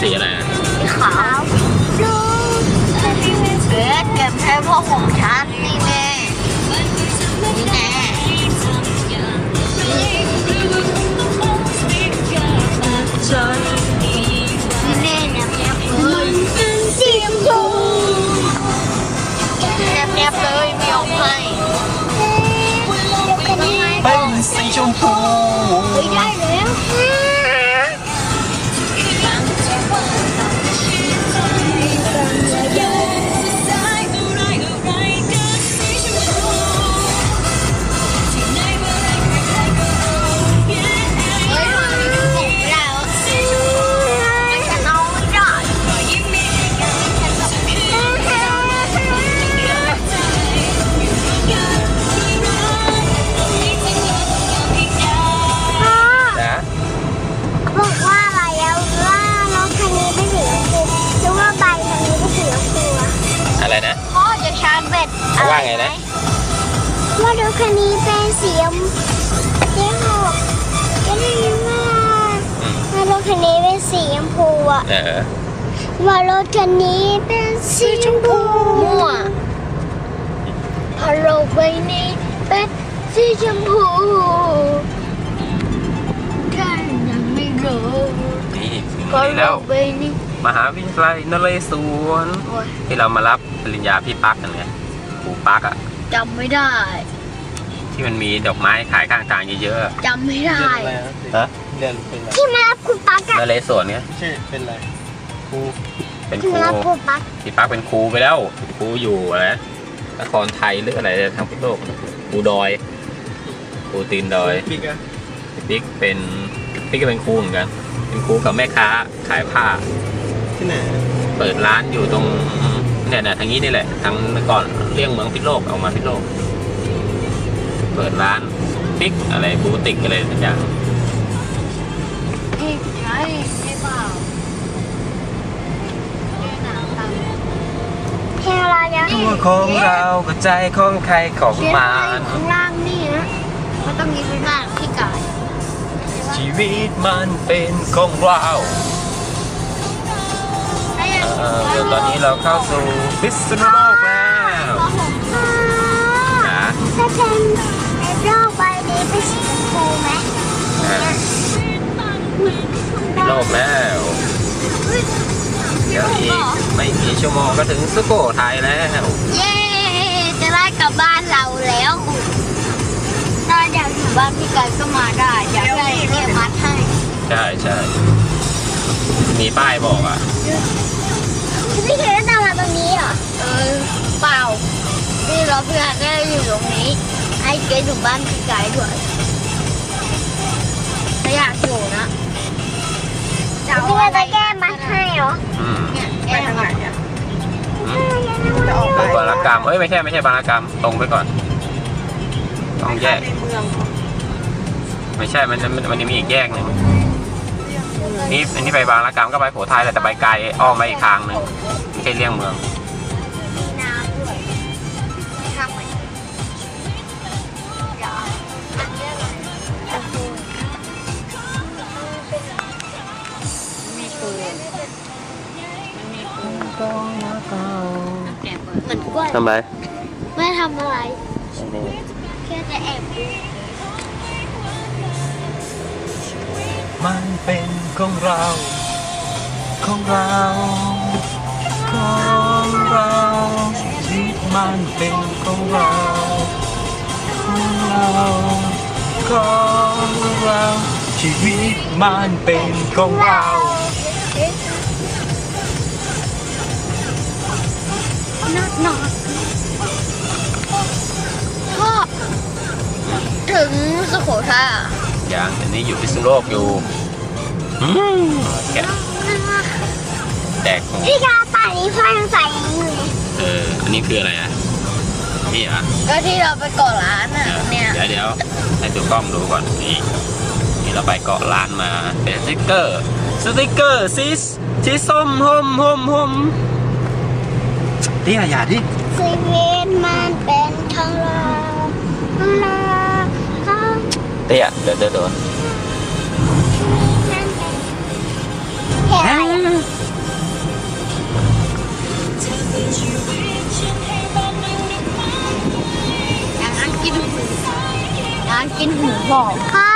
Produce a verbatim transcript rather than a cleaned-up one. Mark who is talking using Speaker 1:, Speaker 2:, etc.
Speaker 1: สีอะไร
Speaker 2: สีขาวลูกเอ๊ะเก็บให้พ่อของฉันนี่แน่นี่แน่นี่แน่เนี่ยเนี่ยเลยสีชมพูเนี่ยเนี่ยเลยไม่ออกให้
Speaker 1: เป็นสีชมพู
Speaker 2: ไม่ได้แล้ว
Speaker 1: อะไรนะ
Speaker 2: พ่อจะชาร์จแบต
Speaker 1: เขาว่าไงนะ
Speaker 2: ว่ารถคันนี้เป็นสีชมพูเจ๊หกก็ได้ยินว่าว่ารถคันนี้เป็นสีชมพูอ่ะว่ารถคันนี้เป็นสีชมพูมั่วพอโลกใบนี้เป็นสีชมพูท่านยังไม่รู้
Speaker 1: นี่พอโลกใบนี้มหาวิทยาลัยนเรศวรที่เรามารับปริญญาพี่ปักกันไงครูปักอ่ะ
Speaker 2: จำไม่ได้
Speaker 1: ที่มันมีดอกไม้ขายข้างทางเยอะ
Speaker 2: ๆจำไม่ได้
Speaker 1: ฮะ
Speaker 3: เรียนเป็นอะไร
Speaker 2: ที่มารับครูปักอะ
Speaker 1: นเรศวรเนี่ย
Speaker 3: ชื่อเป็นอะไรครู
Speaker 1: เป็นครูพี่ปักเป็นครูไปแล้วครูอยู่อะไรนครไทยหรืออะไรทางพุทธโลกครูดอยครูตีนดอย
Speaker 3: บิ๊กอะ
Speaker 1: บิ๊กเป็นบิ๊กก็เป็นครูเหมือนกันเป็นครูกับแม่ค้าขายผ้า
Speaker 3: ที่ไหน
Speaker 1: เปิดร้านอยู่ตรงเนี่ยนะทางนี้นี่แหละทางก่อนเลี่ยงเมืองพิษโลกออกมาพิษโลกเปิดร้านปิ๊กอะไรบูติกอะไรสักอย่าง
Speaker 2: นี่ใช่ใช่เปล่าเพลงอะไรนะ
Speaker 1: ตัวของเรากับใจของใครของมัน
Speaker 2: ข้างล่างนี่นะมันต้องมีเป็นหน้าที่กาย
Speaker 1: ชีวิตมันเป็นของเราเดี๋ยวตอนนี้เราเข้าสู่พิษณุโลกแล้วนะ
Speaker 2: ถ้าเป็นในโลกใบนี้เป็นสีชมพูไหม
Speaker 1: โลกแล้วเดี๋ยวอีกไม่กี่ชั่วโมงก็ถึงสุโขทัยแล้ว
Speaker 2: เย้จะได้กลับบ้านเราแล้วถ้าอยากอยู่บ้านพี่ไก่ก็มาได้อยากได้เนี่ยมัดให้
Speaker 1: ใช่ใช่มีป้ายบอกอ่ะ
Speaker 2: พี่เคยได้ตามมาตรงนี้เหรอเออเปล่าที่เราเพื่อนได้อยู่ตรงนี้ให้เกดอยู่บ้านพี่ไก่ด้วยถ้าอยากอยู่นะพี่จะได้แก้มัดให้เหรอ
Speaker 1: เนี่ย
Speaker 2: แก้ทางไหนอ่ะ
Speaker 1: บารกรรมเอ้ยไม่ใช่ไม่ใช่บารกรรมตรงไปก่อนต้องแยกไม่ใช่มันมันมันมีอีกแยกหนึ่งนี่อันนี้ไปบางระกรรมก็ไปโขทัยแต่ไปไกลอ้อมไปอีกทางหนึ่งไม่ใช่เลี่ยงเมือง
Speaker 2: มีน้ำด้วยไม่ทำเหมือนมีปืนมันมีปืนเหมือนกล้วย
Speaker 1: ทำไร
Speaker 2: ไม่ทำอะไรแค่จะแอบดู
Speaker 1: มันเป็นของเราของเราของเราชีวิตมันเป็นของเราของเราของเราชีวิตมันเป็นของเรา
Speaker 2: นอดนอดพ่อถึงสุโขทัยอ่ะ
Speaker 1: อย่างอันนี้อยู่พิษณุโลกอยู่แกะแดก
Speaker 2: พี่กาป่านี้พ่อยังใส่อยู่เลย
Speaker 1: เอออันนี้คืออะไรอ่ะนี่อ่ะ
Speaker 2: ก็ที่เราไปเกาะร้านอ่ะเนี่ย
Speaker 1: เดี๋ยวเดี๋ยวให้ดูกล้องดูก่อนนี่นี่เราไปเกาะร้านมาเป็นสติ๊กเกอร์สติ๊กเกอร์สีสีส้มหอมหอมหอมนี่อะไรดิ
Speaker 2: ชีวิตมันเป็นของเราเรา
Speaker 1: เตี้ยเดินเดินเดิน
Speaker 2: เห็นอะไรกินหูบอกพ่อ